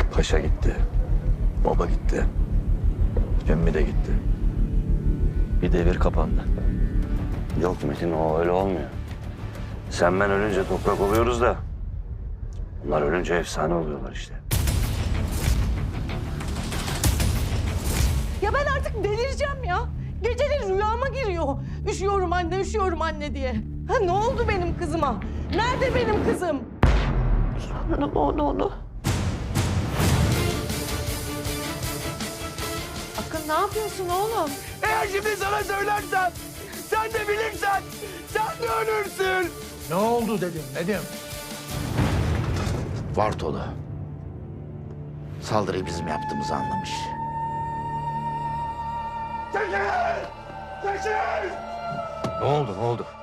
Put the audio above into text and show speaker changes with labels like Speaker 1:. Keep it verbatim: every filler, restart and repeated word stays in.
Speaker 1: Paşa gitti. Baba gitti. Emmi de gitti. Bir devir kapandı.
Speaker 2: Yok Metin, o öyle olmuyor. Sen ben ölünce toprak oluyoruz da... ...onlar ölünce efsane oluyorlar işte.
Speaker 3: Ya ben artık delireceğim ya. Geceleri rüyama giriyor. Üşüyorum anne, üşüyorum anne diye. Ha ne oldu benim kızıma? Nerede benim kızım? Sanırım onu onu. Akın ne yapıyorsun oğlum?
Speaker 4: Eğer şimdi sana söylersem, sen de bilirsen, sen de ölürsün.
Speaker 5: Ne oldu dedim Nedim?
Speaker 6: Vartolu. Saldırıyı bizim yaptığımızı anlamış.
Speaker 4: Çekil! Çekil!
Speaker 1: Ne oldu, ne oldu?